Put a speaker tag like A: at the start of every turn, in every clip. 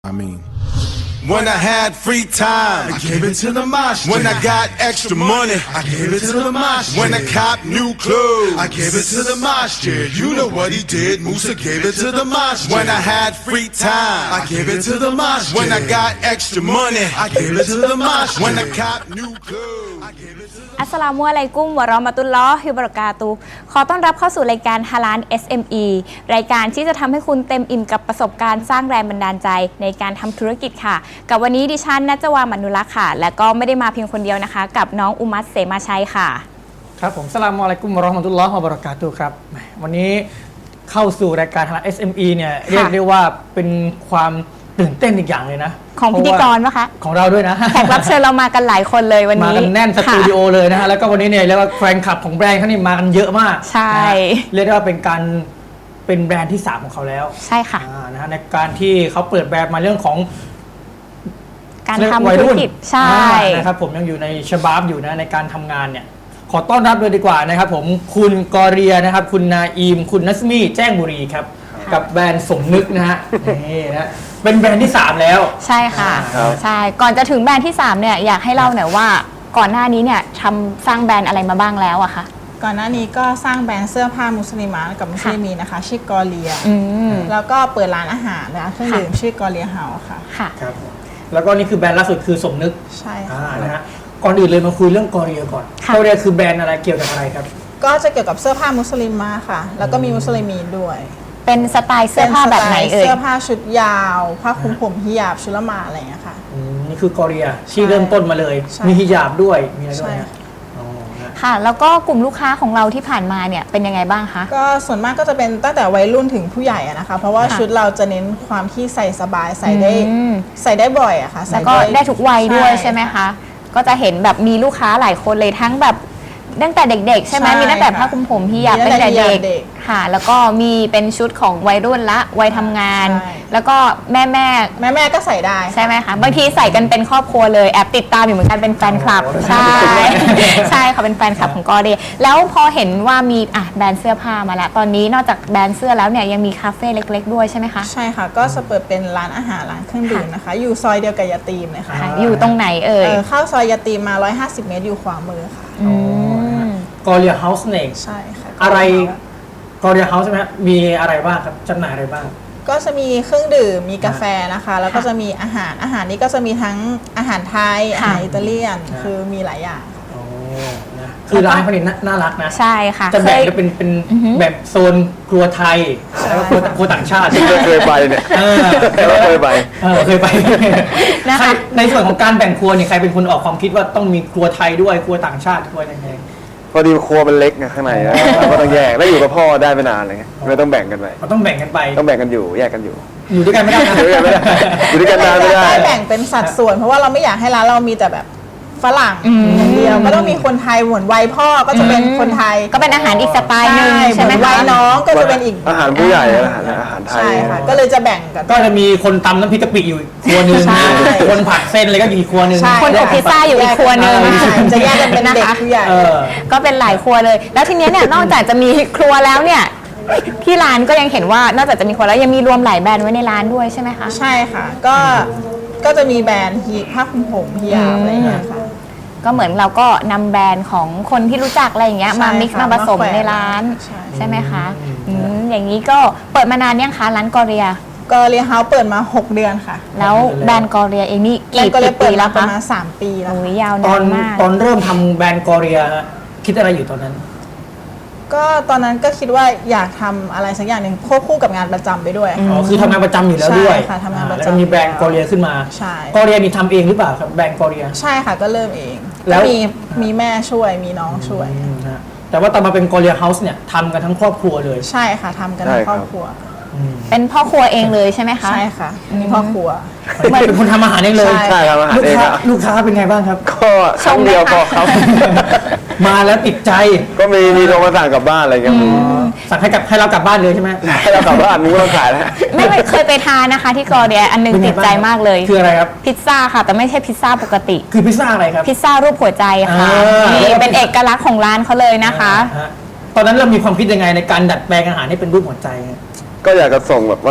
A: When I had free time, I gave it to the mosh. When I got extra money, I gave it to the mosh. When I cop new clothes, I gave it to the mosh. Yeah, you know what he did. Musa gave it to the mosh. When I had free time, I gave it to the mosh. When I got extra money, I gave it to the mosh. When I cop new clothes, I gave it to the
B: อัสสลามุอะลัยกุมวะเราะมะตุลลอฮิวะบะเราะกาตุฮ์ขอต้อนรับเข้าสู่รายการฮาลาล SME รายการที่จะทำให้คุณเต็มอิ่มกับประสบการณ์สร้างแรงบันดาลใจในการทำธุรกิจค่ะกับวันนี้ดิฉันนัจวามันุลักษ์ค่ะและก็ไม่ได้มาเพียงคนเดียวนะคะกับน้องอุมัตเสมาชัยค่ะ
C: ครับผมสลามอะลัยกุมวะเราะห์มะตุลลอฮ์วะบะเราะกาตุฮ์ครับวันนี้เข้าสู่รายการฮาลาล SME เนี่ยเรียกได้ว่าเป็นความตื่นเต้นอีกอย่างเลยนะ
B: ของพิธีกรปะคะ
C: ของเราด้วยนะ
B: แขกรับเชิญเรามากันหลายคนเลยวันนี้
C: มากันแน่นสตูดิโอเลยนะฮะแล้วก็วันนี้เนี่ยเรียกว่าแฟนคลับของแบรนด์เขานี่มากันเยอะมาก
B: ใช่
C: เรียกได้ว่าเป็นแบรนด์ที่3ของเขาแล้ว
B: ใช่ค่ะ
C: นะฮะในการที่เขาเปิดแบรนด์มาเรื่องของ
B: การทำธุรกิจใช่
C: นะครับผมยังอยู่ในฉบับอยู่นะในการทำงานเนี่ยขอต้อนรับเลยดีกว่านะครับผมคุณกอเรียนะครับคุณนาอีมคุณนัสมีแจ้งบุรีครับกับแบรนด์สมนึกนะฮะนี่นะเป็นแบรนด์ที่3แล้ว
B: ใช่ค่ะใช่ก่อนจะถึงแบรนด์ที่3เนี่ยอยากให้เล่าหน่อยว่าก่อนหน้านี้เนี่ยทำสร้างแบรนด์อะไรมาบ้างแล้วอะคะ
D: ก่อนหน้านี้ก็สร้างแบรนด์เสื้อผ้ามุสลิมกับมุสลิมีนะคะชื่อกอเรียแล้วก็เปิดร้านอาหารนะเครื่องดื่มชื่อกอเรียเฮาส์ค่ะ
C: ครับแล้วก็นี่คือแบรนด์ล่าสุดคือสมนึก
D: ใช่ค่ะ
C: นะฮะก่อนอื่นเลยมาคุยเรื่องกอเรียก่อนกอเรียคือแบรนด์อะไรเกี่ยวกับอะไรครับ
D: ก็จะเกี่ยวกับเสื้อผ้ามุสลิมมาค่ะแล้วก็มีมุสลิมีด้วย
B: เป็นสไตล์เสื้อผ้าแบบไหนเอ่ย
D: เสื้อผ้าชุดยาวผ้าคลุมผมฮิญาบชุลมาอะไรอย่างเงี้ยค่ะ
C: นี่คือกอเรียที่เริ่มต้นมาเลยมีฮิญาบด้วยมีอะไรด้วย
B: ค่ะแล้วก็กลุ่มลูกค้าของเราที่ผ่านมาเนี่ยเป็นยังไงบ้างคะ
D: ก็ส่วนมากก็จะเป็นตั้งแต่วัยรุ่นถึงผู้ใหญ่นะคะเพราะว่าชุดเราจะเน้นความที่ใส่สบายใส่ได้บ่อยอะค่ะ
B: แล้วก็ได้ทุกวัยด้วยใช่ไหมคะก็จะเห็นแบบมีลูกค้าหลายคนเลยทั้งแบบตั้งแต่เด็กๆใช่ไหมมีตั้งแต่ผ้าคลุมผมฮิญาบตั้งแต่เด็กค่ะแล้วก็มีเป็นชุดของวัยรุ่นละวัยทำงานแล้วก็แม่
D: ก็ใส่ได้
B: ใช่ไหมคะบางทีใส่กันเป็นครอบครัวเลยแอบติดตามอยู่เหมือนกันเป็นแฟนคลับใช่ใช่ค่ะเป็นแฟนคลับของกอเดย์แล้วพอเห็นว่ามีแบรนด์เสื้อผ้ามาแล้วตอนนี้นอกจากแบรนด์เสื้อแล้วเนี่ยยังมีคาเฟ่เล็กๆด้วยใช่ไหมคะ
D: ใช่ค่ะก็จะเปิดเป็นร้านอาหารร้านเครื่องดื่มนะคะอยู่ซอยเดียวกับยาตีมเลยค่ะ
B: อยู่ตรงไหนเอ่ย
D: เข้าซอยยาตีมมา150 เมตรอยู่ขวามือค่ะ
C: กอเรียเฮาส์เอง
D: ใช่ค่ะ
C: อะไรกอเรียเฮาส์ใช่ไหมมีอะไรบ้างครับจำหน่ายอะไรบ้าง
D: ก็จะมีเครื่องดื่มมีกาแฟนะคะแล้วก็จะมีอาหารนี้ก็จะมีทั้งอาหารไทยอาหารอิตาเลียนคือมีหลายอย่าง
C: คือร้านเขาเนี่ยน่ารักนะ
B: ใช่ค่ะ
C: จะแบ่งจะเป็นแบบโซนครัวไทยแล้วก็ครัวต่างชาติ
E: เคยไปเนี่ยเคยไป
C: นะคะในส่วนของการแบ่งครัวเนี่ยใครเป็นคนออกความคิดว่าต้องมีครัวไทยด้วยครัวต่างชาติครัวยังไง
E: พอดีครัวมันเล็กนะข้างในก็ต้องแยกแล้วอยู่กับพ่อได้ไม่นานเลยไม่ต้องแบ่งกันไป
C: ต้องแบ่งกันไป
E: ต้องแบ่งกันอยู่แยกกันอยู่
C: ด้วยกันไม่ได้
E: อยู่ด้วยกันนานไม่ได้
D: แบ่งเป็นสัดส่วนเพราะว่าเราไม่อยากให้ร้านเรามีแต่แบบฝรั่งอย่างเดียวก็ต้องมีคนไทยเหมือนวัยพ่อก็จะเป็นคนไทย
B: ก็เป็นอาหารอีกสไตล์นึงใช่ไหม
D: วัยน้องก็จะเป็นอีก
E: อาหารผู้ใหญ่อาหารไทย
D: ใช่ค่ะก็เลยจะแบ่งกัน
C: ก็จะมีคนตำน้ำพริกกะปิอยู่ครัวนึงคนผัดเส้นอะไรก็อยู่อีกครัวนึง
B: คนอบพิซซ่าอยู่อีกครัวนึง
D: จะแยกกันเป็นเด็กผู้ใหญ่
B: ก็เป็นหลายครัวเลยแล้วทีนี้เนี่ยนอกจากจะมีครัวแล้วเนี่ยที่ร้านก็ยังเห็นว่านอกจากจะมีครัวแล้วยังมีรวมหลายแบรนด์ไว้ในร้านด้วยใช่ไหมคะ
D: ใช่ค่ะก็จะมีแบรนด์ผ้าคลุมผมฮิญาบอะไรอย่างเงี้ยค่ะ
B: ก็เหมือนเราก็นำแบรนด์ของคนที่รู้จักอะไรอย่างเงี้ยมามิกซ์มาผสมในร้านใช่ไหมคะอย่างนี้ก็เปิดมานานยังคะร้านกอเรีย
D: เฮาส์เปิดมา6 เดือนค่ะ
B: แล้วแบรนด์กอเรียเองนี่กี่ปีแล้วคะ
D: ประมาณ3 ปีแล้ว
B: ยาวนานมาก
C: ตอนเริ่มทำแบรนด์กอเรียคิดอะไรอยู่ตอนนั้น
D: ก็ตอนนั้นก็คิดว่าอยากทำอะไรสักอย่างหนึ่งควบคู่กับงานประจำไปด้วย
C: อ๋อคือทำงานประจำอยู่แล้วด้วย
D: ใช่ค่ะทำงานประจำ
C: แล้วมีแบรนด์กอเรียขึ้นมา
D: ใช่
C: กอเรียนี่ทำเองหรือเปล่าครับแบรนด์กอเรีย
D: ใช่ค่ะก็เริ่มเองแล้วมีแม่ช่วยมีน้องช่วย
C: แต่ว่าตอนมาเป็นกอเรียเฮาส์เนี่ยทำกันทั้งครอบครัวเลย
D: ใช่ค่ะทำกันทั้งครอบครัว
B: เป็นพ่อครัวเองเลยใช่ไหมคะ
D: ใช่ค่ะมีพ่อครัว
C: เป็นคนทำอาหารเองเลย
E: ใช่ทำอาหารเอง
C: ลูกค้าเป็นไงบ้างครับ
E: ก็ครั้งเดียวพอครับ
C: มาแล้วติดใจ
E: ก็มีโทรมาสั่งกลับบ้านอะไรเงี้ย
C: สั่งให้เรากลับบ้านเลยใช่ไหม
E: ให้เรากลับบ้านนู้นเราขายแล้ว
B: ไม่เคยไปทานนะคะที่กอเรียอันนึงติดใจมากเลย
C: คืออะไรครับ
B: พิซซ่าค่ะแต่ไม่ใช่พิซซ่าปกติ
C: คือพิซซ่าอะไรครับ
B: พิซซ่ารูปหัวใจค่ะนี่เป็นเอกลักษณ์ของร้านเขาเลยนะคะ
C: ตอนนั้นเรามีความคิดยังไงในการดัดแปลงอาหารให้เป็นรูปหัวใจ
E: ก็อยากจะส่งแบบว่า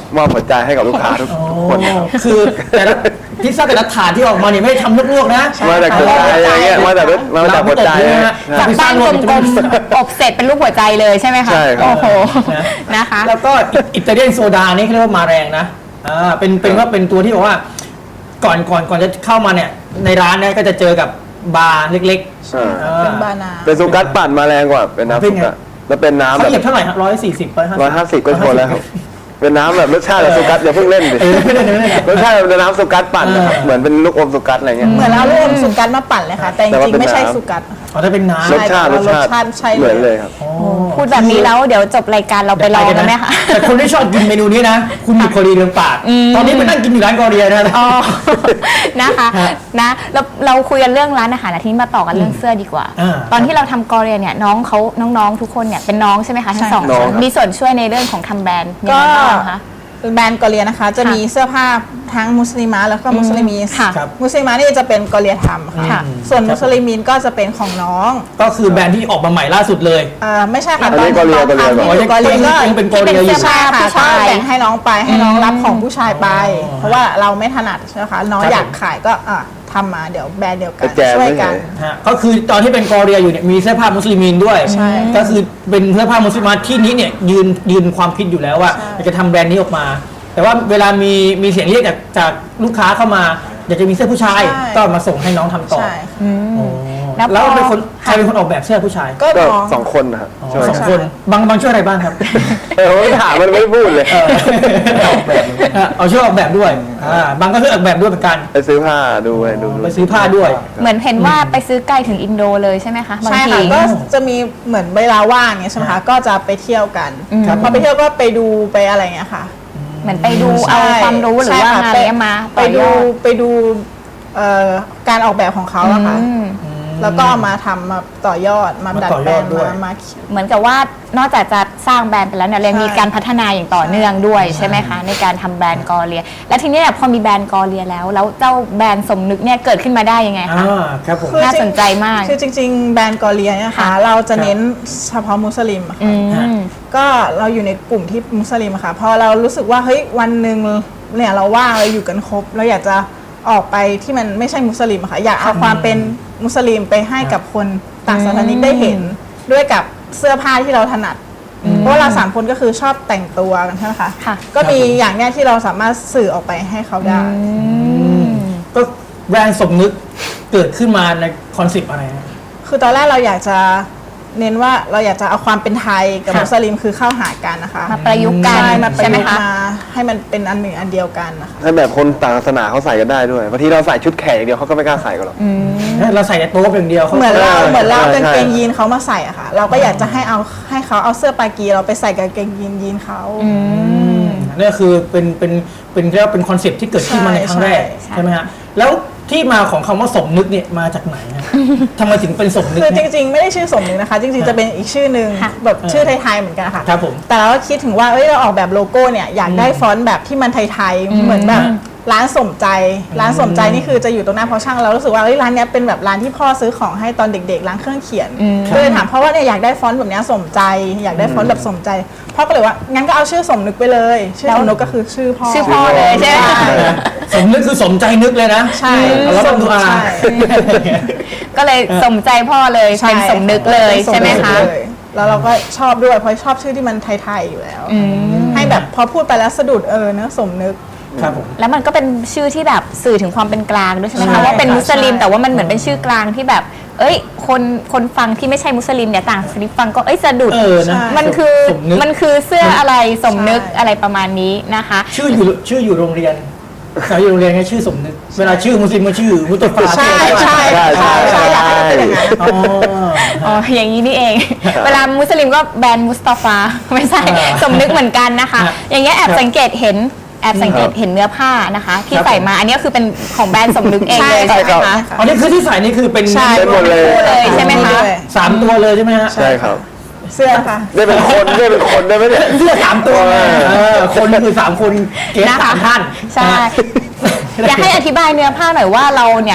E: มอบหัวใจให้กับลูกค้าทุกคนนะครับ
C: คือแต่ละพิซซ่าแต่ละถาดที่ออกมาเนี่ยไม่ได้ทำลวกๆนะ
E: มาจากหัวใจอะไรเงี้ยมาจากหัวใจ
B: จากบ้านกลมๆอบเสร็จเป็นรูปหัวใจเลยใช่ไหมคะ
E: ใช่ครับ
B: โอ้โหนะคะ
C: แล้วก็อิตาเลียนโซดานี่เขาเรียกว่ามาแรงนะเป็นว่าเป็นตัวที่บอกว่าก่อนจะเข้ามาเนี่ยในร้านเนี่ยก็จะเจอกับบาร์เล็ก
D: เป็นบานา
E: เป็นซูกัสปั่นมาแรงกว่าเป็นน้ำซูกัสแล้วเป็น
C: ๆ
E: น้ำ
C: เขา
E: แบบ
C: เหยียบเท่าไหร่ครับ140
E: 150ก็พอแล้วครับเป็นน้ำแบบรสชาติแบบซูกัสอย่าเพิ่งเล่นดิ
C: ไม่ได้
E: รสชาติเป็นน้ำซูกัสปั่นนะครับเหมือนเป็นลูกอมซูกัสอะไรเงี้ย
D: เหมือนเราเอาสุกัดมาปั่นเลยค่ะ แต่จ
E: แต่ว่า
D: ริง
E: เป็น
D: ๆไม่ใช่
E: น้ำ
D: สุกัด
C: อ๋อถ้าเป็นน้ำ
E: รสชาติ
D: รสชาติใช่เลย
E: เหมือนเลยครับ
B: พูดแบบนี้แล้วเดี๋ยวจบรายการเราไปลองกันไหมคะ
C: แต่คนที่ชอบกินเมนูนี้นะ คุณอยู่เกาหลีเรืองปาก ตอนนี้ไปนั่งกินอยู่ร้านเกาหลีนะ
B: อ๋อ นะคะนะเราคุยกันเรื่องร้านอาหารอาทิตย์มาต่อกันเรื่องเสื้อดีกว่า ตอนที่เราทำกอเรียเนี่ยน้องๆทุกคนเนี่ยเป็นน้องใช่ไหมคะทั้งสอง
E: น้อง
B: คน
E: ครับ
B: มีส่วนช่วยในเรื่องของทำแบรนด์ยัง
D: ก็
B: ไงบ้างคะ
D: แบรนด์กอเลียนะคะ จะมีเสื้อผ้าทั้งมุสลิมะแล้วก็มุสลิมีน
B: ค่ะ
D: มุสลิมะนี่จะเป็นกอเลียทำค่ะ
B: ค่ะ
D: ส่วนมุสลิมีนก็จะเป็นของน้อง
C: ก็คือแบรนด์ที่ออกมาใหม่ล่าสุดเลย
D: ไม่ใช่ค่ะ
E: อันนี้กอเลีย
D: ตอนทำ
E: กอเลีย
D: อยู่กอเลียก็
C: ยังเป็นกอเลียอยู่
D: ใช่ค่ะ
B: ผู้
D: ก็
B: ชาย
D: แบ่งให้น้องไปให้น้องรับของผู้ชายไป เพราะว่าเราไม่ถนัดใช่ไหมคะน้อง
C: ครับ
D: อยากขายก็ทำมาเดี๋ยวแบรนด์เดียวกั
E: ก
D: น
E: ระแจ
D: ช่วย
E: ไม่
D: กัน
E: เฉย
C: ฮะก็คือตอนที่เป็นกอเรียอยู่เนี่ยมีเสื้อผ้ามุสลิมินด้วย
D: ใช่
C: ก็คือเป็นเสื้อผ้ามุสลิมาที่นี้เนี่ยยืนความคิดอยู่แล้วว่าอยากจะทำแบรนด์นี้ออกมา แต่ว่าเวลามีเสียงเรียกจากลูกค้าเข้ามาอยากจะมีเสื้อผู้ชาย
D: ใช่
C: ก็มาส่งให้น้องทำต่อ
D: ใช่ค่ะ
C: โอ้
B: แล้วพอ
C: แล้วเป็นคนใครเป็นคนออกแบบเสื้อผู้ชาย
D: ก็
E: ก็
D: น้อง
E: สองคนนะครับ
C: อ๋อ
E: ช่วย
C: ส
E: กั
C: อน งคนบางช่วยอะไรบ้างครับ
E: ผมไม่ถามมันไม่พูดเลย
C: เอาช่วยออกแบบด้วยบางก็ช่วยออกแบบด้วยเหมือนกัน
E: ไปซื้อผ้าดูอะไรดู
C: ไปซื้อผ้าด้วย
B: เหมือนเห็นว่าไปซื้อไกลถึงอินโดเลยใช่ไหมคะบาง
D: ใช่
B: ที
D: ค่ะก็จะมีเหมือนเวลาว่างเนี่ยใช่ไหมคะก็จะไปเที่ยวกัน
C: ครับ
D: พอไปเที่ยวก็ไปดูไปอะไรเงี้ยค่ะ
B: เหมือนไปดูเอาความรู้หรือว่า
D: ใช่ค่ะ
B: งานเนี้ยมา
D: ไปดู
B: ต่อยอด
D: ไปดูการออกแบบของเขาอะค่ะ
B: อืม
D: แล้วก็เอามาทำมาต่อยอดมาดัดแปลง
C: มาต่อยอดด้วย
D: มา
B: เหมือนกับว่านอกจากจะสร้างแบรนด์ไปแล้วเนี่ยยังมีการพัฒนาอย่างต่อเนื่องด้วยใช่ไหมคะในการทำแบรนด์กอเรีย แล้วทีนี้เนี่ยพอมีแบรนด์กอเรียแล้วเจ้าแบรนด์สมนึกเนี่ยเกิดขึ้นมาได้ยังไงคะ
C: ครับผม
D: คือ
B: น่าสนใจมาก
D: คือจริง ๆ แบรนด์กอเลียเนี่ย
B: ค่ะ
D: ค่ะเราจะเน้นเฉพาะมุสลิมอะค่ะ
B: อืม
D: ก็เราอยู่ในกลุ่มที่มุสลิมอะค่ะพอเรารู้สึกว่าเฮ้ยวันหนึ่งเนี่ยเราว่างเราอยู่กันครบเราอยากจะออกไปที่มันไม่ใช่มุสลิมอะค่ะอยากเอาความเป็นมุสลิมไปให้กับคนต่างศาสนาได้เห็นด้วยกับเสื้อผ้าที่เราถนัด เพราะว่าเราสามคนก็คือชอบแต่งตัวกันใช่ไหมคะ
B: ค่ะ
D: ก็มีอย่างเนี้ยที่เราสามารถสื่อออกไปให้เขาได้
C: ก็แบรนด์สมนึกเกิดขึ้นมาในคอนเซปต์อะไรนะ
D: คือตอนแรกเราอยากจะเน้นว่าเราอยากจะเอาความเป็นไทยกับ
C: ค่ะ
D: มุสลิมคือเข้าหากันนะคะ
B: มาประยุกต์กัน
D: ใช่มาประ
B: ใช่ไหม
D: ยุกต์
B: คะ
D: มาให้มันเป็นอันหนึ่งอันเดียวกันนะคะ
E: ให้แบบคนต่างศาสนาเขาใส่กันได้ด้วยบางทีเราใส่ชุดแขกอย่างเดียวเขาก็ไม่กล้าใส่กันหรอก
C: เราใส่แต่โต๊ะอย่างเดียวเขา
D: เหมือนเรา
E: ใช่
D: เหมือนเรา
E: ใช่
D: กางเกงยีนเขามาใส่อะค่ะ เราก็อยากจะให้เขาเอาเสื้อปากีเราไปใส่กางเกงยีนเขา
C: นี่คือเป็นเรียกว่าเป็นคอนเซปต์ที่เกิดขึ้นมาในครั้งแรก
B: ใช่
C: ใช่ไหมฮะแล้วที่มาของคำว่าสมนึกเนี่ยมาจากไหนฮะทำไมถึงเป็นสมนึก
D: คือจ
C: เนี่ย
D: ริงๆ ไม่ได้ชื่อสมนึกนะคะ จริงๆ จะเป็นอีกชื่อหนึ่ง
B: ค่ะ
D: แบบชื่อไทยๆเหมือนกันค่ะ
C: ครับผม
D: แต่เราก็คิดถึงว่าเอ้ยเราออกแบบโลโก้เนี่ยอยากได้ฟอนต์แบบที่มันไทยๆเหมือนแบบร้านสมใจร้านสมใจนี่คือจะอยู่ตรงหน้าพอช่างเรารู้สึกว่าเอ้ยร้านเนี้ยเป็นแบบร้านที่พ่อซื้อของให้ตอนเด็กๆร้านเครื่องเขียนก็เลยถามพ่อว่าเนี่ยอยากได้ฟอนต์แบบเนี้ยสมใจ อยากได้ฟอนต์แบบสมใจพ่อก็เลยว่างั้นก็เอาชื่อสมนึกไปเลยชื่อสมนึกก็คือชื่อพ่อ
B: ชื่อพ่อเลยใช่ไหม
C: สมนึกคือสมใจนึกเลยนะ
D: ใช่
C: แล้ว
D: ส
C: ก็
D: ม
C: ดู
D: นึก
C: อา
D: ใช่
B: ก็เลยสมใจพ่อเลยเป็นสมนึกเลย
D: ป็น
B: ใช่ไหมคะ
D: เลยแล้วเราก็ชอบด้วยเพราะชอบชื่อที่มันไทยๆอยู่แล้ว ให้แบบพอพูดไปแล้วสะดุดเนอะสมนึก
C: ครับผม
B: แล้วมันก็เป็นชื่อที่แบบสื่อถึงความเป็นกลางด้วยใช่ไหม
D: ใช่
B: คะว่าเป็นมุสลิม
D: ใช่
B: แต่ว่ามันเหมือนเป็นชื่อกลางที่แบบ เอ้ยคนฟังที่ไม่ใช่มุสลิมเนี่ยต่างศาสนาฟังก็เอ้ยสะดุด
C: นะ
B: มันคือ
C: สมนึก
B: มันคือเสื้ออะไรสมนึก
D: ใช่
B: อะไรประมาณนี้นะคะ
C: ชื่ออยู่โรงเรียนอยู่โรงเรียนไงชื่อสมนึก เวลาชื่อมุสลิมก็ชื่อมุตฟา
D: ใช่ใช่ใช่ใช่อยากให้มันเป็นอย่างนั้น
C: อ๋อ
B: อ๋ออย่างนี้นี่เอง เวลามุสลิมก็แบรนด์มุสตาฟาไม่ใช่ สมนึกเหมือนกันนะคะ
C: ครับ
B: อย่างเงี้ยแอบสังเกตเห็นเนื้อผ้านะคะ ที่
C: ครับ
B: ใส่มาอันนี้คือเป็นของแบรนด์สมนึกเองเลย
D: ใช่
B: ใช่ไหม
D: ครั
B: คะ
D: บ
C: อ๋อนี่คือที่ใส่นี่คือเป็น
D: ใช่
E: เป็นหมดเลย
B: คู่เลยใช่ไหมคะ
C: 3 ตัวเลยใช่ไหมฮะ
E: ใช่ครับ
D: เสื้อค่ะ
E: ได้เป็นคนได้ไหมเนี่ย
C: เสื้อ3 ตัวคนคือ3 คนเกส
B: นะคะ
C: 3 ท่าน
B: ใช่ อยากให้อธิบายเนื้อผ้าหน่อยว่าเราเนี่ย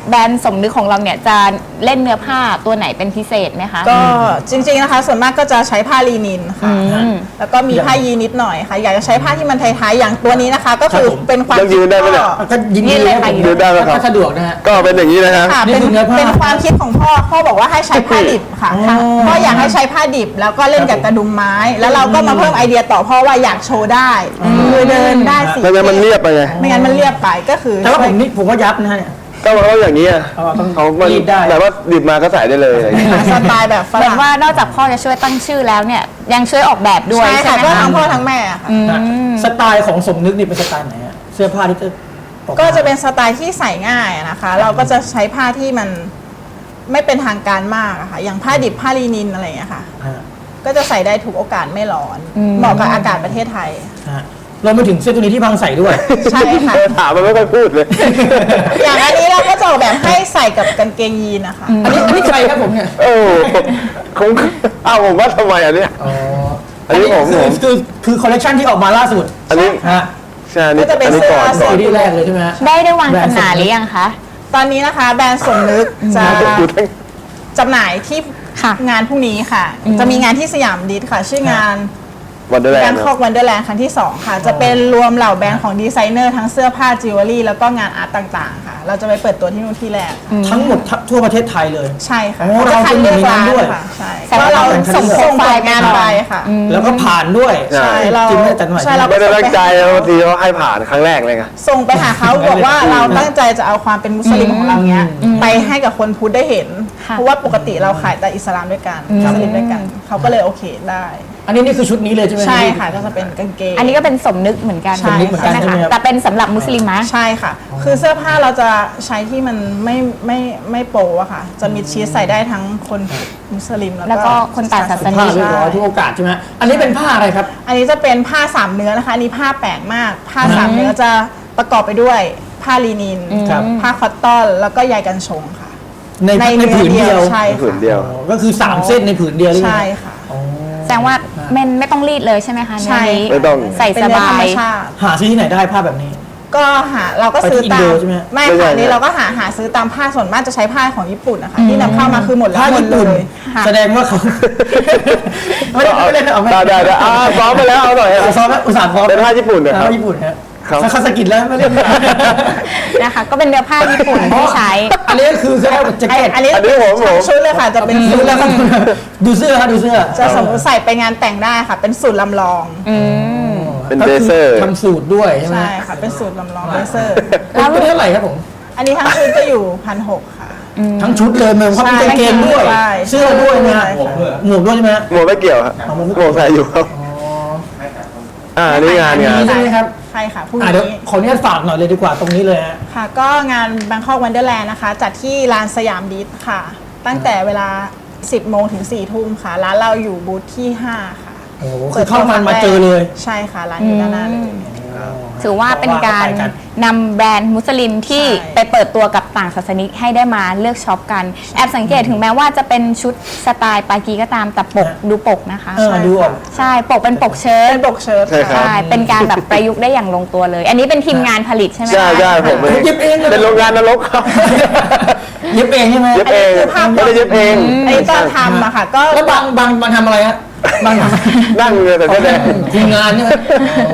B: แบรนด์สมนึกของเราเนี่ยจะเล่นเนื้อผ้าตัวไหนเป็นพิเศษไหมคะ
D: ก็จริงๆนะคะส่วนมากก็จะใช้ผ้าลีนินค่ะ
B: อืม
D: แล้วก็มีผ้ายีนนิดหน่อยค่ะ อยากจะใช้ผ้าที่มันไทยๆอย่างตัวนี้นะคะ ก็คือ
C: ครับผม
D: เป็นความ
E: ยังยืนได้ไหมเนี่ย
C: ก็ยินดีเลยครับผม
E: ยืนได้ไหมครับ
C: ถ้าสะดวกนะฮะ
E: ก็เป็นอย่างนี้นะครับ
D: ค่ะ
C: นี่
D: เป็น
C: คือเนื้อผ้า
D: เป็นความคิดของพ่อบอกว่าให้ใช้ผ้าดิบค่ะ
C: อ๋อ
D: พ่ออยากให้ใช้ผ้าดิบแล้วก็เล่นกับกระดุมไม้ แล้วเราก็มาเพิ่มไอเดียต่อพ่อว่าอยากโชว์ได้คือเดินได้สิ
E: ไม่งั้นมันเรียบไปไง
D: ไม่งั้นมันเรียบไปก็คือ
C: แต่ว่าผมว่ายับนะฮะเนี่ย
E: ก็มันก็อย่างนี้อะ
C: ต้อง
E: เขามัน
C: รีดได้
E: แบบว่าดิบมาก็ใส่ได้เลยอะไรอย่างเงี้ย
D: สไตล์แบบฝ
B: เหมือ
D: รั่
B: น
D: ง
B: ว่านอกจากพ่อจะช่วยตั้งชื่อแล้วเนี่ยยังช่วยออกแบบด้วย
D: ใช่
B: ใช่
D: ค่ะ
B: ไหม
D: ก็
B: คะ
D: ทั้งพ่อทั้งแม่ค่ะ
C: นะสไตล์ของสมนึกนี่เป็นสไตล์ไหนฮะเสื้อผ้าที่จะออมา
D: ก็จะเป็นสไตล์ที่ใส่ง่ายนะคะ เราก็จะใช้ผ้าที่มันไม่เป็นทางการมากอะค่ะ อย่างผ้าดิบผ้าลีนินอะไรอย่างเงี้ยค่ะ
C: ฮะ
D: ก็จะใส่ได้ทุกโอกาสไม่ร้อน เหมาะกับอากาศประเทศไทย
C: ฮะเรามาถึงเสื้อตัวนี้ที่พังใส่ด้วย
D: ใช่ค่ะ
E: ถามมันไม่ค่อยพูดเลย
D: อย่างอันนี้เราก็จะออกแบบให้ใส่กับกางเกงยีนนะคะ
C: อันนี้ใครครับผมเนี่ย
E: เออคงอ้าวผมว่าทำไมอันเนี้ย
C: อ๋อ
E: อันนี้ผม
C: คือคอลเลคชันที่ออกมาล่าสุด
E: อันนี้
C: ฮะ
E: ใช่อันนี้
D: ก็จะเป็น
E: อันนี้ก่อน
D: เสื้
E: ก่
C: ซี
E: อน
C: รีส์แรกเลยใช่ไหมฮะ
B: ได้วางจำหน่ายหรือยังคะ
D: ตอนนี้นะคะแบรนด์สมนึกจะ
E: อยู่ทั้ง
D: จำหน่ายที่
B: ค่ะ
D: งานพรุ่งนี้ค่ะ จะมีงานที่สยามดิสค่ะ ชื่องาน
E: วันเดอร์แล
D: แบ
E: น
D: ง
E: ด์
D: คอกวันเดอร์แลนด์ครั้งที่ 2 ค่ะ จะเป็นรวมเหล่าแบรนด์ของดีไซเนอร์ทั้งเสื้อผ้าจิวเวลรี่แล้วก็งานอาร์ตต่างๆ ค่ะ เราจะไปเปิดตัวที่นู่นที่แรก
C: ทั้งหมดทั่วประเทศไทยเลย
D: ใช่ค่ะ
C: โอ้
D: จะคัดเลือกร้าน
C: เราเป็นหนึ่งในนั้นด้วย
D: ค่ะใช่
B: แต่ว่า
D: เรา
B: เราส่
D: ส่
B: ง
D: ง
B: โปรไฟล์
D: งานไปค่ะ
C: แล้วก็ผ่านด้วย
E: ใช่
D: เรา
C: จริงไหมอาจารย์หน่อย
D: ใช่เรา
E: ไม่ได้ตั้งใจนะบางทีเขาให้ผ่านครั้งแรกเลยไง
D: ส่งไปหาเขาบอกว่าเราตั้งใจจะเอาความเป็นมุสลิมของเราเนี้ยไปให้กับคนพุทธได้เห็น
B: ค่ะ
D: เพราะว่าปกติเราขายแต่อิสลามด้วยกันมุสลิมด้วยกันเขาก็เลยโอเคได้
C: อันนี้นี่คือชุดนี้เลยใช่ไหม
D: ใช่ค่ะก็จะเป็นกางเกง
B: อันนี้ก็เป็นสมนึกเหมือนกัน
D: ใช่
C: สมนึกเหมือนกัน
B: ไหม
C: ใช่ไหม
B: คะ
C: ครับ
B: แต่เป็นสำหรับมุสลิมะ
D: ใช่ค่ะ คือเสื้อผ้าเราจะใช้ที่มันไม่โปอะค่ะ จะมีชีสใส่ได้ทั้งคนมุสลิม
B: แล้
D: แล้ว ว
B: ก็
D: ก็
B: คนต่างศาสนา
C: ผ้าเรียบร้อยทุกโอกาสใช่ไหมอันนี้เป็นผ้าอะไรครับ
D: อันนี้จะเป็นผ้าสามเนื้อนะคะอันนี้ผ้าแปลกมาก ผ้าสามเนื้อจะประกอบไปด้วยผ้าลีนิน
C: ครับ
D: ผ้าคอตตอนแล้วก็ใยกันชงค่ะ
C: ในผืนเดียว
D: ใช่
E: ผืนเดียว
C: อ๋อก็คือ 3 เส้นในผืนเดียวเลย
D: ใช่ค่ะ
C: อ๋อ
B: แสดงว่าไม่ต้องรีดเลยใช่ไหมคะ
D: ใช่
B: เนื้อนี้
E: ไม่ต้อง
B: ใส่
D: เป็น
B: ส
D: เนื้อบ
B: า
D: ธรรม
B: ย
D: ชาติ
C: หาซื้อที่ไหนได้ผ้าแบบนี้
D: ก็เราก็ซื้อ
C: ไปที่
D: ตา
C: อิน
D: ม
C: โดใช่ไหม
D: ไม่
E: ไม่ใช่
D: ค่ะอันนี้เราก็หาซื้อตามผ้าส่วนมากจะใช้ผ้าของญี่ปุ่นนะคะที่นำเข้ามาคือหมดแล้ว
C: ผ้า
D: หมด
C: ญี่
D: เล
C: ปุ่น
D: ย
B: ค่ะ
C: แสดงว่าเขา ไม่ได้ไม่ได้เอาไม่
E: ได้ซ้อมไปแล้วเอาหน่อย
C: ซ้อมแล้วอุตส่าห์ซ้อม
E: เป็นผ้าญี่ปุ่นนะครั
C: ผ้า
E: บ
C: ญี่ปุ่นฮะ
E: ครับ
C: คาสกิแล้วไม่เล่น
B: นะคะ ก็เป็นเนื้อผ้าญี่ปุ่นที่ใช้
C: อันนี้ก็คือแค่แจ็คเก็ต
D: อันนี้
E: อันนี้ผม
D: ชุดเลยค่ะจะเป็น
C: ดูแล้วครับดูเสื้อฮะดูเสื้อ
D: จะสมมติใส่ไปงานแต่งได้ค่ะ เป็นสูตรลำลอง
E: เป็นเบเซอร์
C: ทำสูตรด้วยใช่ไหม
D: ใช่ค่ะ เป็นสูตรลำลองเลเซอร์
C: แล้วเป็นเท่าไหร่ครับผม
D: อันนี้ทั้งชุดจะอยู่1,600ค่ะ
C: ทั้งชุดเลยมันเขามีกางเกงด้วย
D: ใช่
C: เสื้อด้วยนะ
D: ใช่ค่ะ
C: หมวกด้วยใช่ไหมฮะ
E: หมวกไม่เกี่ยวครับ
C: เอาหมวกไม่
E: หมวกใส่อยู่ครับอันนี้งาน
C: อันนี้ใช่ไหมครับ
D: ใช่ค่ะพรุ่ง
C: เดี๋ยว
D: นี้
C: ขออนุญาตฝากหน่อยเลยดีกว่าตรงนี้เลยฮะ
D: ค่ะ ก็งาน Bangkok Wonderland นะคะ จัดที่ลานสยามดิสค่ะ ตั้งแต่เวลา 10 โมงถึง 4 ทุ่มค่ะ ร้านเราอยู่บูธที่ 5 ค่ะ
C: โอ้โหคือเข้ามาเจอเลย
D: ใช่ค่ะ ร้านอยู่ด้านหน้าเลย
B: ถือว่าเป็นการนำแบรนด์มุสลิมที่
D: ใช่
B: ไปเปิดตัวกับต่างศาสนิกให้ได้มาเลือกช็อปกัน แอบสังเกตถึงแม้ว่าจะเป็นชุดสไตล์ปากีก็ตามแต่ปกดูปกนะคะ
C: ดูออก
B: ใช่ปกเป็นปกเชิ้ต
D: เป็นปกเชิ้ต
E: ใช่ครับ
B: ใช่เป็นการแบบประยุกต์ได้อย่างลงตัวเลย อันนี้เป็นทีมงานผลิตใช่ไหมคะ
E: ใช่ใช่ผมเอง
C: เย็บเองเลย
E: เป็นโรงงานนรกครับ
C: เย็บเองใช่ไหม
E: เย็บเองไม่ได้เย็บเอง
D: อันนี้ตอนทำอะค่ะ ก็
C: แล้วบางทำอะไรฮะบางทำ
E: นั่งเลยแต่แค่แดง
C: ทีมงานใช่ไหมโอ้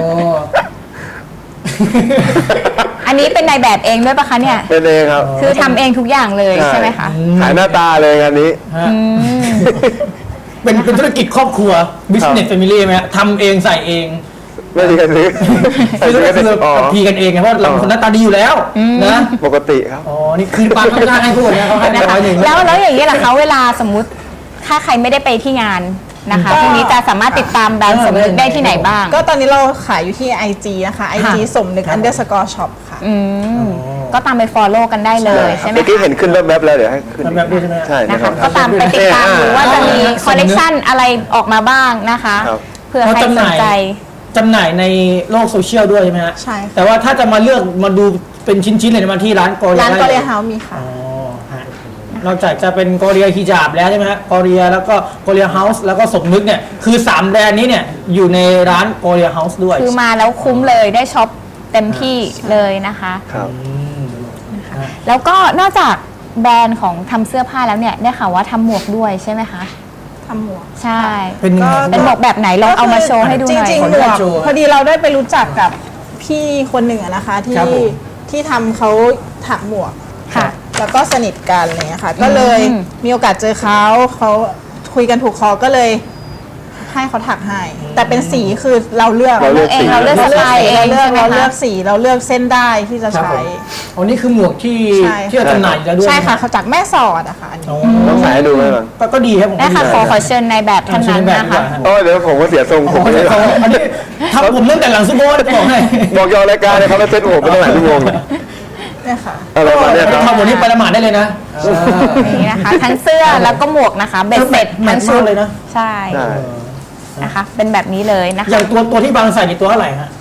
B: อันนี้เป็นนายแบบเองด้วยปะคะเนี่ย
E: เป็นเองครับ
B: คือทำเองทุกอย่างเลยใช่ไหมคะ
E: ขายหน้าตาเลยงานนี้
C: ฮะเป็นธุรกิจครอบครัว business family ไหมฮะทำเองใส่เอง
E: ไม่ดีกันซื้อใส่
C: คือ
E: ซื้อกัน
C: คือ
E: อ๋อ
C: พีกันเองไงเพราะเราเป็นคนหน้าตาดีอยู่แล้วนะ
E: ปกติครับ
C: อ๋อนี่คือปาเขาได้ให้พูดนะเขาให้
B: นะคะ
C: 100
B: แล้วอย่างนี้ล่ะคะเวลาสมมุติถ้าใครไม่ได้ไปที่งานนะคะพรุ่งนี้จะสามารถติดตามแบรนด์สมนึกได้ที่ไหนบ้าง
D: ก็ตอนนี้เราขายอยู่ที่ IG นะคะ IG สมนึก underscore shop ค่ะ
B: ก็ตามไป follow กันได้เลยใช่ไหม
E: เมื่อกี้
B: คะ
E: เห็นขึ้นแวบๆแล้วเดี๋ยวให้ขึ้น
C: แวบๆด้วยใช่ไหม
E: ใช่
B: นะ
E: นะค
B: คะ
E: รับ
B: ก็ตามไปติดตามดูว่าจะมีคอลเลกชันอะไรออกมาบ้างนะคะ
E: ครับ
B: เผื่อใครสนใจ
C: จำหน่ายในโลกโซเชียลด้วยใช่ไหมฮะ
D: ใช่ค่ะ
C: แต่ว่าถ้าจะมาเลือกมาดูเป็นชิ้นๆเลยมาที่ร้านกอเรีย
D: ร้าน
C: ได้
D: ก็
C: ล
D: เรียเฮาส์มีค่ะ
C: อ๋อฮะนอกจากจะเป็นกอเรียฮิญาบแล้วใช่ไหมฮะกอเรียแล้วก็กอเรียเฮาส์แล้วก็สมนึกเนี่ยคือ3แบรนด์นี้เนี่ยอยู่ในร้านกอเรียเฮาส์ด้วย
B: คือมาแล้วคุ้มเลยได้ช็อปเต็มที่เลยนะคะ
E: ครับ
B: นะคะค่ะแล้วก็นอกจากแบรนด์ของทำเสื้อผ้าแล้วเนี่ยได้ข่าวว่าทำหมวกด้วยใช่ไหมคะ
D: ทำหมวก
B: ใช่
C: เป็นยังไง
B: เป็นหมวกแบบไหนลองเอามาโชว์ให้ดูหน่อย
D: จริงๆ
C: ขออ
D: ห
C: นุ
D: มว
C: ญาก ตโชว์
D: พอดีเราได้ไปรู้จักกับพี่คนหนึ่งอะนะคะ
C: ครับผม
D: ที่ทำเขาถักหมวก
B: ค่ะ
D: แล้วก็สนิทกันอะไรเลยค่ะก็เลยมีโอกาสเจอเขาคุยกันถูกคอก็เลยให้เขาถักให้ แต่เป็นสีคือเราเลือก
E: เราเลือกสี
B: เราเลือกสไตล์เอง
D: เราเลือก
B: ใช่ไหม
D: เราเลื
B: คะ
D: อกสีเราเลือกเส้นได้ที่จะ
C: ครับผ
D: ใช้
C: มอันนี้คือหมวกที่
D: ใช่
C: ที่เราจำหน่ายอยู่แล้วด้วย
D: ใช่ค่ะ
C: น
D: เขาจากแม่สอดอะค่ะอันนี้
C: อ๋อ
E: ต้องใส่ให้ดูไหมก่อน
C: ก็ดีครับผม
B: ได้ค่ะ
C: ดี
B: ขอเชิญในแบบท่านนั้นนะคะ
E: โอ้ยเดี๋ยวผมก็เสียทรง
C: โอ้
E: ผม
C: โห
E: ไม่ได้
C: อันนี้ทำผมตั้งแต่หลังซุปเปอร์จะบอกให้
E: บอกยอรายการเลยครับแล้วเซ็ตผมไปตั้งหลายชั่วโมงเลย
D: เนี่ยค่ะ
E: อะไรประมาณเนี้ยครับ
C: ทำหมดนี้ไปละหมาดได้เลยนะ
B: นี่นะคะ ทั้งเสื้อแล้วก็หมวกนะคะเบ็ดเสร็จ
C: แม
B: ทั้
C: ท
B: ง
C: ช์
B: ชุ
C: มา
B: ด
C: กเลยนะ
B: ใช่
E: ใช่
B: นะคะ เป็นแบบนี้เลยนะ
C: อ
B: คะ
C: ย่างตัวที่บางใส่ในตัวเท่าไหร่ฮะ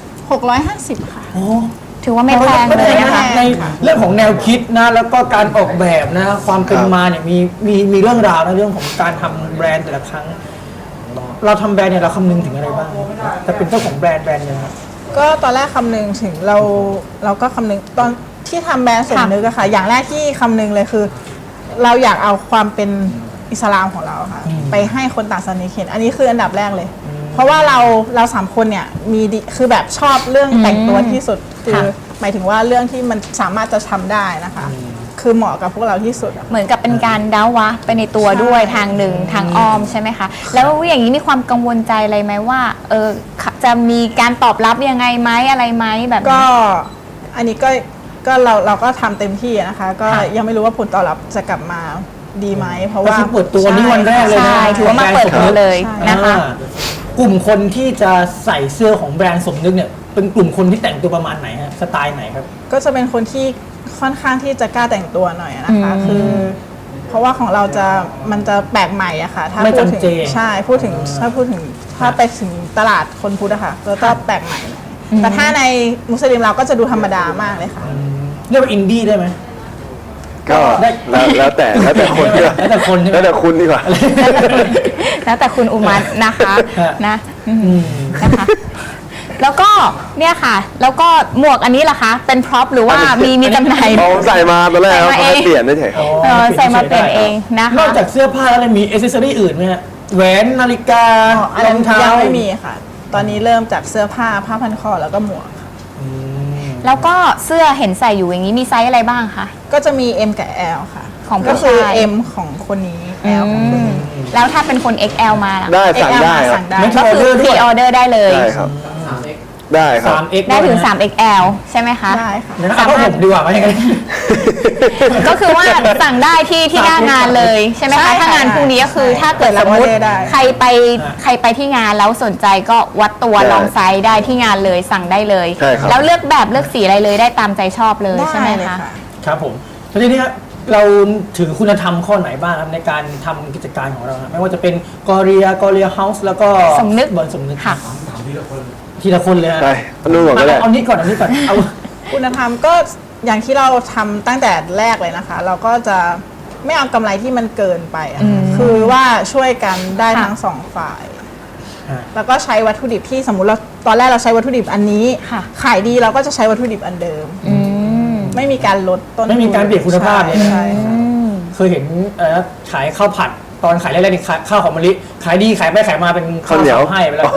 D: 650 ค่ะ
C: โอ้
B: ถือว่าไม่แพง
C: ไม่
B: เล
C: แพ
B: ย
C: ง
B: นะ
C: นะคะ ในเรื่องของแนวคิดนะแล้วก็การออกแบบนะความเป็นมาเนี่ยมีเรื่องราวนะเรื่องของการทำแบรนด์แต่ละครั้ง เราทำแบรนด์เนี่ยเราคำนึงถึงอะไรบ้างแต่เป็นเจ้าของแบรนด์หนึงครับ
D: ก็ตอนแรกคำนึงถึงเราก็คำนึงตอนที่ทำแบรนด์สมนึกอะค่ะ อย่างแรกที่คำนึงเลยคือ เราอยากเอาความเป็นอิสลามของเราค่ะไปให้คนต่างศาสนาเห็นอันนี้คืออันดับแรกเลย เพราะว่าเราสามคนเนี่ยมีดีคือแบบชอบเรื่องแต่งตัวที่สุดคือหมายถึงว่าเรื่องที่มันสามารถจะทำได้นะคะ คือเหมาะกับพวกเราที่สุดอะ
B: เหมือนกับเป็นการดาวะไปในตัวด้วยทางหนึ่งทางอ้อมใช่ไหมคะ แล้วอย่างนี้มีความกังวลใจอะไรไหมว่าจะมีการตอบรับยังไงไหมอะไรไหมแบบนี้
D: ก็อันนี้ก็เราก็ทำเต็มที่อะนะคะ ก็ยังไม่รู้ว่าผลตอบรับจะกลับมาดีไหมเพราะ
C: ก็
D: ว่า
C: คือเปิดตัวนี่วันแรกเลยนะ
B: ใช่ถือว่ามาเปิดตัวเลย
D: ใช่
B: นะคะ
C: กลุ่มคนที่จะใส่เสื้อของแบรนด์สมนึกเนี่ยเป็นกลุ่มคนที่แต่งตัวประมาณไหนฮะสไตล์ไหนครับ
D: ก็จะเป็นคนที่ค่อนข้างที่จะกล้าแต่งตัวหน่อยนะคะคือ เพราะว่าของเรามันจะแปลกใหม่อะค่ะ ถ้า
C: ไม่
D: พูดถึง
C: จำเจ
D: ใช่ถ้าไปถึงตลาดคนพุทธอะค่ะก็จะแปลกใหม่หน่อยแต่ถ้าในมุสลิมเราก็จะดูธรรมดามากเลยค่ะ
C: เรียกว่าอินดี้ได้ไหม
E: ก็แล้วแต่คนดีกว่า
C: แล้วแต่คนใช่ไหม
E: แล้วแต่คุณดีกว่า
B: แล้วแต่คุณอุมัตนะคะ
C: ฮะ
B: นะนะคะ แล้วก็เนี่ยค่ะ แล้วก็หมวกอันนี้ล่ะคะ เป็นพร็อพหรือว่ามีจำหน่าย
E: เอาใส่มาตอนแรก
B: ใส่
E: เขา
B: มาเอง
E: ให้เปลี่ยนได้เฉย
B: ใส่มาเปลี่ยนเองนะคะ
C: นอกจากเสื้อผ้าแล้วมีอ c เซสซอรี่อื่นไหมฮะแหวนนาฬิกา
D: อัน
C: ร
D: นั้
C: อน งเท้า
D: ยังไม่มีค่ะ ตอนนี้เริ่มจากเสื้อผ้าพันคอแล้วก็หมวกค่ะ
B: แล้วก็เสื้อเห็นใส่อยู่อย่างนี้มีไซส์อะไรบ้างคะ
D: ก็จะมี M กับ L ค่ะ
B: ของผู้
D: ก็คือ
B: ชาย
D: M ของคนนี้ L ของคนนี้
B: แล้วถ้าเป็นคน XL มาล่ะ
E: ได้สั่ง
D: XL
E: ได้ครับ
D: สั่งได้
C: ไม่
B: ก็คือ
C: ด้วย
B: พรีออเดอร์ได้เลย
E: ได้ครับ ได้ครับ
C: 3x
B: ได้ถึง 3XL ใช่ไหมคะ
D: ได้ค่ะ
C: เดี๋ยวนะเอาผ้าห่มดีกว่าไหมอย่างนั้น
B: ก็คือว่าสั่งได้ที่หน้างานเลยใช่ไหม
D: ใช่
B: คะ
D: ค่ะ
B: ถ้างานพรุ่งนี้ก็คือ
D: ใช่
B: ถ้าเกิดสมมติ
D: เปิดรับออเดอร์ได้
B: ใครไปที่งานแล้วสนใจก็วัดตัว
E: ได้
B: ลองไซส์ได้ที่งานเลยสั่งได้เลย
E: ใช่ครับ
B: แล้วเลือกแบบเลือกสีอะไรเลยได้ตามใจชอบเลยใช่ไหม
D: ได้เลย
B: คะ
D: ค่ะ
C: ครับผมทีนี้เราถือคุณธรรมข้อไหนบ้างครับในการทำกิจการของเราครับไม่ว่าจะเป็นกอเรียเฮาส์แล้วก็
B: สมนึก
C: บอลสมนึก
B: ค่ะ
C: ทีละคนเลยฮะ
E: ใช่เอานู่นก่อนก็ได้
C: เอานี้ก่อนเอา
D: คุณธรรมก็อย่างที่เราทำตั้งแต่แรกเลยนะคะ เราก็จะไม่เอากำไรที่มันเกินไปอะคือว่าช่วยกันได้
B: ค่ะ
D: ทั้งสองฝ่าย
C: ฮะ
D: แล้วก็ใช้วัตถุดิบที่สมมุติเราตอนแรกเราใช้วัตถุดิบอันนี้
B: ค่ะ
D: ขายดีเราก็จะใช้วัตถุดิบอันเดิม
B: อืม
D: ไม่มีการลดต้นทุน
C: ไม่มีการเปลี่ยนคุณภาพเลยนะ
D: ใช่ค่ะ
C: เคยเห็นขายข้าวผัดตอนขายแรกๆนี่ข้าวหอมมะลิขายดีขายไปขายมาเป็น
E: ข้าวเหนียว
C: สให้ไปแล้ว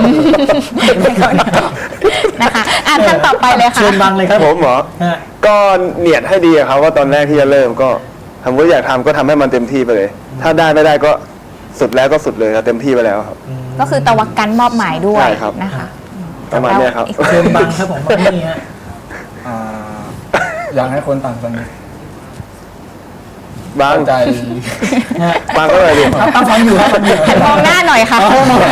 B: นะคะท่านต่อไปเลยค่ะ
C: เชิญบังเลยครับ
E: ผมเหรอ
C: ฮะ
E: ก็เนียดให้ดีอะครับว่าตอนแรกที่จะเริ่มก็ทำว่าอยากทำก็ทำให้มันเต็มที่ไปเลย ถ้าได้ไม่ได้ก็สุดแล้วก็สุดเลยครับเต็มที่ไปแล้วครับ
B: ก็คือตะวักกันมอบหมายด้วย
E: ใช่ครับ
B: นะคะ
E: ประมาณเนี้ยครับ
C: เชิญบังครับผมบังนี่ฮะ
F: อ่าอยากให้คนต่างกัน
E: บาง
F: เข้าใจ
C: ฮะ
E: บางก็เลยดิ
C: ครับตั้งฟังอยู่ครับฟังอยู่
B: มองหน้าหน่อยค่ะ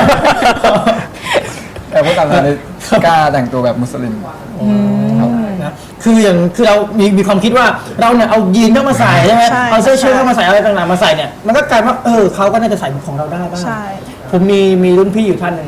F: แต่คนต่างกันกล้าแต่งตัวแบบมุสลิมครับ
C: นะคือเรามีความคิดว่าเราเนี่ยเอายีนเข้ามาใส่ใช่ไหม
D: ใช่
C: เอาเสื้อเชิ้ตเข้ามาใส่อะไรต่างๆมาใส่เนี่ยมันก็กลายว่าเขาก็น่าจะใส่ของเราได้บ้าง
D: ใช่
C: ผมมีรุ่นพี่อยู่ท่านหนึ่ง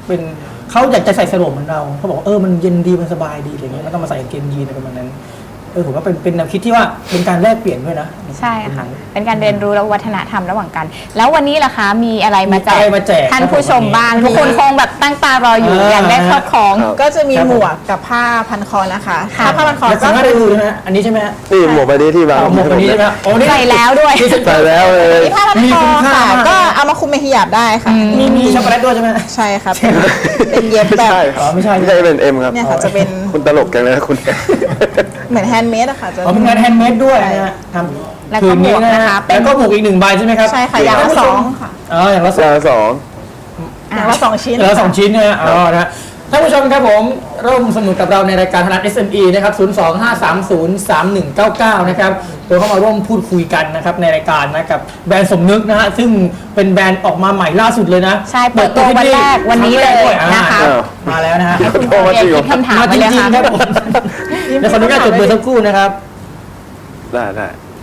C: เขาอยากจะใส่สโลปเหมือนเราเขาบอกว่ามันเย็นดีมันสบายดีอะไรเงี้ยแล้วก็มาใส่กางเกงยีนอะไรประมาณนั้นผมว่าเป็นแนวคิดที่ว่าเป็นการแลกเปลี่ยนด้วยนะ
B: ใช่ค่ะ เป็นการเรียนรู้และวัฒนธรรมระหว่างกัน แล้ววันนี้ล่ะคะมีอะไรมาแจ
C: มี
B: ก
C: อะไรมาแจก
B: ท่านผู้ชมบ้าง
C: ครับ
B: ทุกคนคงแบบตั้งตารออยู่ อยากได้ครอบครอง
E: ครับ
D: ก็จะมี
C: ครับผม
D: หมวกกับผ้าพันคอนะคะ
B: ค่ะ
D: ผ้าพันคอ
C: แล้ว
D: ก็
C: สามารถ
D: คื
C: ได้
D: อ
C: ดูใช่ไหมฮะอันนี้ใช่ไหมฮะ
E: นี่หมวกใบนี้ที่วาง
C: หมวกแบบนี้ใช่ไหมฮะโอ้นี่
B: ใส่แล้วด้วย
E: ใส่แล้วเลย
D: มีผ้าพัน
C: มี
D: คอ
C: คุณค่า
D: ค่ะ
C: มาก
D: ก็เอามาคลุมเป็นฮิญาบได้ค่ะ
C: มีช็อกโกแลตด้วยใช่ไหม
D: ใช่ครับเป็นเย็บ
E: ไม่
D: แบบ
E: ใช่
C: อ๋อไม่ใช่
E: ไม่ใช่เป็นเอ็มครับ
D: เนี่ยค่ะจะเป็น
E: คุณตลกจังเลยนะคุณ
D: เหมือนแฮนด์เมดอะค่ะจะ
C: อ๋อเป็นงานแฮนด์เมดด้วยนะฮะท
B: แล้ว
C: ำ
B: ก็
C: คืนนี้
B: หมวก
C: นะ
B: นะคะ
C: ฮะ
B: เป็น
C: แล้วก็หมวกอีก1 ใบใช่ไหมครับ
D: ใช่ค่ะอย่างละสองค่ะ
C: อ๋ออย่างละสอง
E: อย่างละสอง
D: อย่างละ2 ชิ้น
C: เหลือ2 ชิ้นนะฮะอ๋อนะฮะท่านผู้ชมครับผมร่วมสนุกกับเราในรายการธนัท SME นะครับ 025303199 นะครับโดยเข้ามาร่วมพูดคุยกันนะครับในรายการนะกับแบรนด์สมนึกนะฮะซึ่งเป็นแบรนด์ออกมาใหม่ล่าสุดเลยนะ
B: ใช่เปิดตัววันแรกวันนี้เลย
C: ด้วย
B: นะคะ
C: มาแล้วนะฮะ
B: คุณโอเรียคิดคำถาม
C: มา
B: มา
C: จ
B: เลย
C: ริง
B: ค่ะ
C: ๆครับผมเดี๋ยวขออนุญาตจดเบอร์สักครู่นะครับ
E: ได้ได้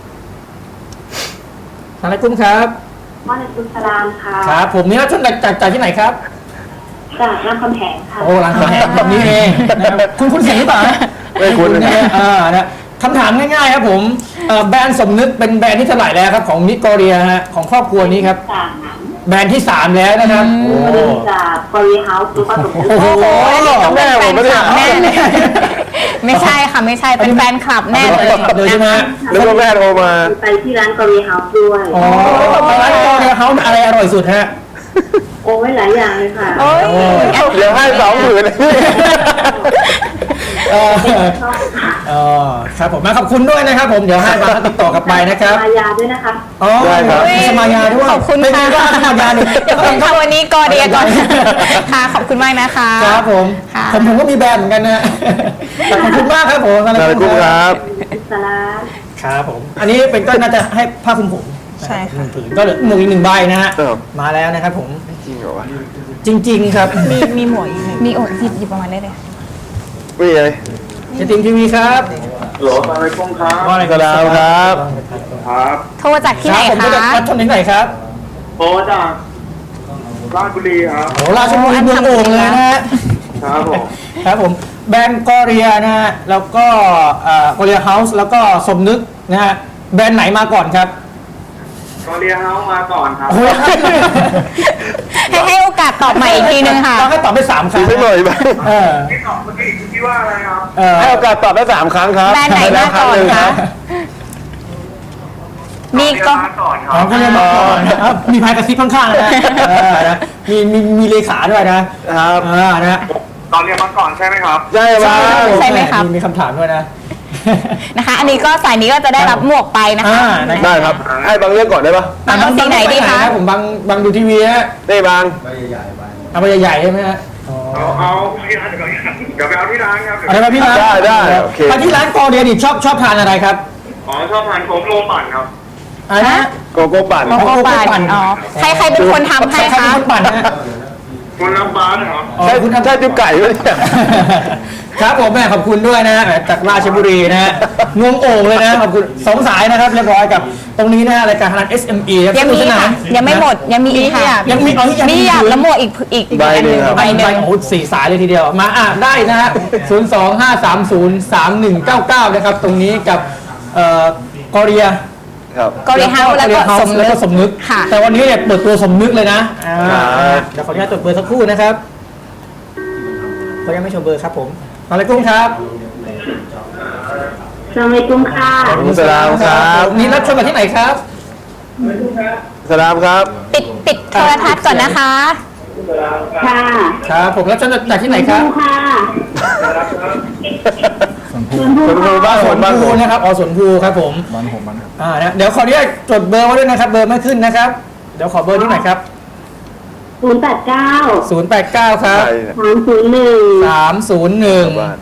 C: ทางไรกุ้มครับ
G: วาเลกุสลามค่ะ
C: ครับผมนี่รับชมจากที่ไหนครับ
G: จากรามคำแหงค่ะ
C: โอ้ร้านคำแหงแบบนี้เองนะครับคุณเสียงหรือเปล่าฮะ
E: ไม่คุ้นเลย
C: นะนะคำถามง่ายๆครับผมแบรนด์สมนึกเป็นแบรนด์ที่เท่าไหร่แล้วครับของนิโกเรียฮะของครอบครัวนี้ครับ
G: จาก
C: แบรนด์ที่ 3 แล้วนะครับโอ้
G: จากบริเฮาส์หรือว่าสมมติ
C: โอ้โห
B: โอ้ยนี่ต้องเป็นแฟนคลับแน่เลย
C: แม่
B: ไม่ใช่ค่ะไม่ใช่เป็นแฟนคลับแน่เลย
C: เลยใช่ไหมฮะ
E: นึกว่าแม่โทรมา
G: ไปที่ร้านบริเฮาส์ด้วย
C: อ๋อร้านนิโกเรียเขาอะไรอร่อยสุดฮะ
G: โอ้ยหลายอย่างเลยค่ะ
B: โอ้ย
E: เดี๋ยวให้20,000เลย
C: เออครับผมมาขอบคุณด้วยนะครับผมเดี๋ยวให้มาติดต่อกลับไปนะครับ
G: มายาด้วยนะคะ
C: อ๋อ
E: ได้ครับ
C: มีสมายาด้วย
B: ขอบคุณ
C: เป็น
B: ค่ะ
C: ไงบ้างสมายาเนี่ย
B: เดี๋ยวคุณค่ะวันนี้กอเดียก่อนค่ะขอบคุณมากนะคะ
C: ครับผม
B: ค่ะ
C: ผมก็มีแบรนด์เหมือนกันนะแต่ขอบคุณมากครับผม
E: นาฬิกุมครับ
G: สลา
C: ครับผม อันนี้เป็นก็น่าจะให้ผ้าคลุมผม
D: ใช่ค่ะ
C: หนึ่งผืนก็เหลือหมวกอีก1 ใบนะฮะ
E: ครับ
C: มาแล้วนะครับผม
E: จริงเหรอวะ
C: จริง ๆ ครับ
D: มีหมวกอีกหนึ่ง
B: มีโอดหยิบประมาณได้เลย
E: ไม่เลย
C: เจติมทีวีครับ
H: โหลอะไรกุ้งครับ
C: ว่าอะไร
E: สลามครับ
H: ครับ
B: โทรจากที่ไหน
C: ผม
B: คะ
C: จะรับชมที่ไหนครับ
H: โทรจากราชบุรีครับ
C: โอ้ราชบุรีเมืองโอ่งเลยนะฮะ
H: ครับผม
C: ครับผมแบรนด์กอเรียนะฮะแล้วก็กอเรียเฮาส์แล้วก็สมนึกนะฮะแบรนด์ไหนมาก่อนครับ
H: กอเรียเฮาส์มาก่อนครับ
C: โอ้โห
B: ให้โอกาสตอบใหม่อีกทีนึงค่ะ
C: ต้องให้ตอบไป3 ครั้ง
E: ไม่หน่อยบ้าง
C: เออ
H: ที่ตอบเมื่อกี้คิดว่าอะไรครับ
E: ให้โอกาสตอบได้3 ครั้งครับ
B: แบรนด์ไหนมาก่อนคะ มีก็
H: มาก่อนค
C: อ๋อ
H: รับ
C: ก็เรียนมาก่อนนะครับมีพายกระซิบข้างๆนะฮะนะมีเลขาด้วยนะครับ นะฮะ
H: ตอนเรียนมาก่อนใช่ไหมครับ
E: ใช่ไหม
B: ใช่ไหมครับ
C: มีคำถามด้วยนะ
B: นะคะ อันนี้ก็สายนี้ก็จะได้รับหมวกไปนะคะ
C: นะครับ
E: ได้ครับ ให้บางเรื่องก่อนได้ปะ
B: เอาสีไหนดีคะ
C: ผมบังดูทีวีฮะ
E: ได้บาง
C: เอาไปใหญ่ๆใช่ไหมฮะอ๋อ
H: เอาที่ร้านเดี๋ยวไปเอาที่ร้านครับ
C: อะไรมาพี่ร้าน
E: ได้โอเค
C: ไปที่ร้านกอเรียนี่ชอบทานอะไรครับ
H: อ๋อชอบทานโค้กโลปั่นครับ
C: อะไรนะ
E: โกโก้ปั่น
B: โกโก้ปั่นอ๋อใครเป็นคนทำให้
C: ใครเป็น
B: คะ
C: คนปั่นฮะ
H: คุณน้ำฟ้านะครับ
C: อ๋อ
E: ใช่
C: คุณทำ
E: ใช่ติ๊บไก่ด้วยเนี่ย
C: ครับผมแม่ขอบคุณด้วยนะฮะจากราชบุรีนะฮะงวงโอ่งเลยนะขอบคุณ2 สายนะครับเรียบร้อยกับตรงนี้นะฮะรายการธนัท SME ครับ
B: ยังมี
C: สนุกสนา
B: ค่ะ
C: น
B: ยังไม่หมดยังมีอีกค่ะ
C: ยังมีเอายัง
B: มีหยาบและหมวกอีก
E: ใบหนึ่งครับ
B: ใบหนึ่ง
C: โอ้โห4 สายเลยทีเดียวมาได้นะฮะ025303199นะครับตรงนี้กับกอเรีย
E: ครับ
B: กอริเฮาส์แล้วก็สมนึ
C: แล้ว
B: ก
C: ก็สมนึก
B: ค่ะ
C: แต่วันนี้เนี่ยเปิดตัวสมนึกเลยนะ
E: ครับ
C: เดี๋ยวขออนุญาตจดเบอร์สักครู่นะครับขออนุญาตไม่โชว์เบอร์ครับผมอะไรกุ้งครับ
G: สวัสดีกุ้งค่ะ
E: สลามครับ
C: นี่รับชมมาที่ไหนครับ
E: สลามครับ
B: ปิดโทรทัศน์ก่อนนะคะ
G: ค่ะ
C: ครับผมรับชมจากที่ไหนครับ
G: กุ้งค่ะ
E: สวนภูบ้านสวนบ้าน
C: ส
E: ส
C: ว
E: วน น
C: นะครับสวนภูครับผม
F: บ้านผมบ้านครับ
C: นะเดี๋ยวขออนุญาตจดเบอร์ไว้ด้วยนะครับ เบอร์ไม่ขึ้นนะครับ เดี๋ยวขอเบอร์ที่ไหนครับ
G: 089
C: 089 ครับ
E: ใช่เนี่ย
G: 301
E: บ้าน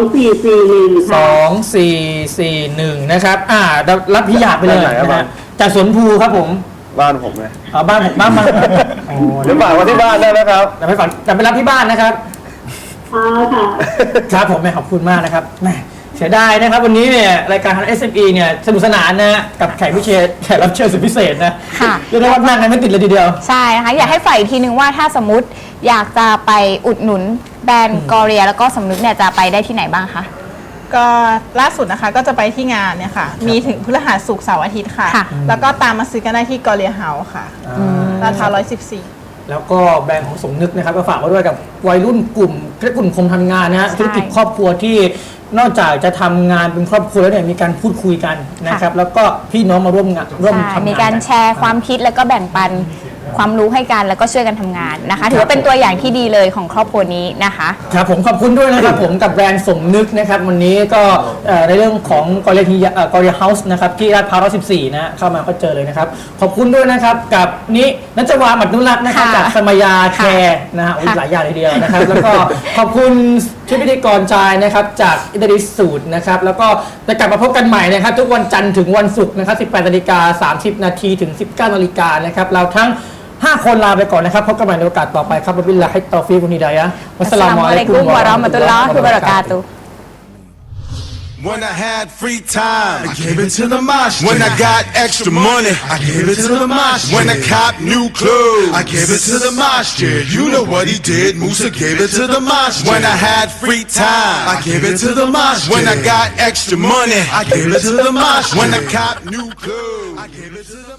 G: 2441
C: นะครับรับพิยาไปเลย
E: บ้านไหนครับ
C: นะฮะจากสวนภูครับผม
E: บ้านผมไง
C: บ้านผมบ้านมาอ๋อ
E: เดี๋ยวฝากมาที่บ้านได้นะครับ
C: แต่ไปฝันแต่ไปรับที่บ้านนะครับ
G: อ๋อค่ะ
C: ครับผมแม่ขอบคุณมากนะครับแม่เสียดายนะครับวันนี้เนี่ยรายการ SME เนี่ยสนุกสนานนะฮะกับแขกรับเชิญสุดพิเศษนะ
B: ค่ะ
C: เรียกได้ว่านั่งกันไม่ติดเลยทีเดียว
B: ใช่นะคะอยากให้ฝ่ายอีกทีนึงว่าถ้าสมมติอยากจะไปอุดหนุนแบรนด์กอเรียแล้วก็สมนึกเนี่ยจะไปได้ที่ไหนบ้างคะ
D: ก็ล่าสุดนะคะก็จะไปที่งานเนี่ยค่ะ มีถึงพฤหัสศุกร์เสาร์อาทิตย์ค่ะ
B: ค่ะ
D: แล้วก็ตามมาซื้อกันได้ที่กอเรียเฮาส์ค่ะลาดพร้าว114
C: แล้วก็แบรนด์ของสมนึกนะครับก็ฝากไว้ด้วยกับวัยรุ่นกลุ่มคมทำงานนะฮะ
B: ใช่
C: ธุรกิจครอบครัวที่นอกจากจะทำงานเป็นครอบครัวแล้วเนี่ยมีการพูดคุยกันนะครับแล้วก็พี่น้องมาร่วมงานร่วม
B: ใช่
C: ทำงาน
B: มีการแชร์ความคิดแล้วก็แบ่งปันความรู้ให้กันแล้วก็ช่วยกันทำงานนะคะ ถือว่าเป็นตัวอย่างที่ดีเลยของครอบครัวนี้นะคะ
C: ครับผมขอบคุณด้วยนะครับผมกับแบรนด์สมนึกนะครับวันนี้ก็ในเรื่องของกอเรียเฮาส์นะครับที่ลาดพร้าว114นะเข้ามาก็เจอเลยนะครับขอบคุณด้วยนะครับกับนี้นัชวาหมัดนุรักษ์นะครับ
B: ค่ะ
C: จากสมยาแคร์นะฮะโอ้ย
B: ค่ะ
C: หลายอย่างเลยทีเดียวนะครับแล้วก็ขอบคุณชุดพิธีกรชายนะครับจากอิตาลีสูตรนะครับแล้วก็จะกลับมาพบกันใหม่นะครับทุกวันจันทร์ถึงวันศุกร์นะครับ 18:30 นาทีถึง 19 นาฬิกานะครับเราทั้ง5 คนลาไปก่อนนะครับพบกันใหม่ในโอกาสต่อไปครับบิลลาฮิตตอฟีกุนิดายะห์วัสสลามุอะลัยกุมวะเราะห์มะตุลลอฮิวะบะเราะกาตุฮ์
A: When I had free time, I gave it to the mosh. When I got extra money, I gave it to the mosh. When I cop new clothes, I gave it to the mosh. Yeah, you know what he did. Musa gave it to the mosh. When I had free time, I gave it to the mosh. When I got extra money, I gave it to the mosh. When I cop new clothes, I gave it to the